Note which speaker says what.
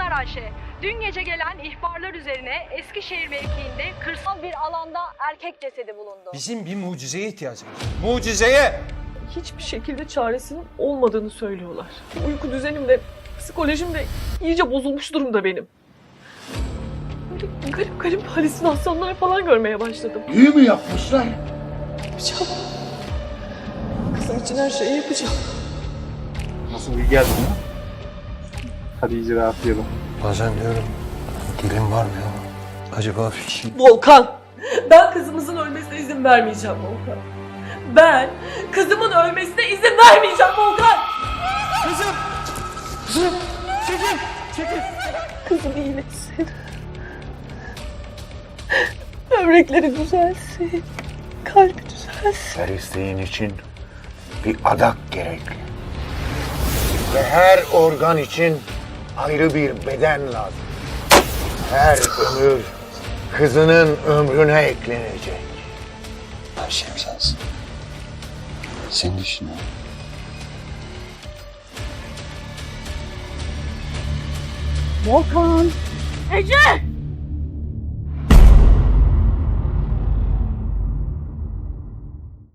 Speaker 1: Pınar Ayşe, dün gece gelen ihbarlar üzerine Eskişehir mevkiinde kırsal bir alanda erkek cesedi bulundu.
Speaker 2: Bizim bir mucizeye ihtiyacımız var. Mucizeye!
Speaker 3: Hiçbir şekilde çaresinin olmadığını söylüyorlar. Uyku düzenim de, psikolojim de iyice bozulmuş durumda benim. Böyle garip garip halüsinasyonlar falan görmeye başladım.
Speaker 4: İyi mi yapmışlar?
Speaker 3: Yapacağım. Kızım için her şeyi yapacağım.
Speaker 5: Nasıl iyi geldi mi? Hadi iyice rahatlayalım.
Speaker 2: Bazen diyorum, dilim var mı ya? Acaba bir şey...
Speaker 3: Volkan! Ben kızımızın ölmesine izin vermeyeceğim Volkan. Ben kızımın ölmesine izin vermeyeceğim Volkan!
Speaker 2: Kızım! Kızım! Çekil! Çekil!
Speaker 3: Kızım iyileşsin. Böbrekleri düzelsin. Kalbi düzelsin.
Speaker 4: Her isteğin için bir adak gerekli. Ve her organ için ayrı bir beden lazım. Her ömür kızının ömrüne eklenecek.
Speaker 6: Her şeyim sensin. Senin işin o.
Speaker 3: Volkan! Ece!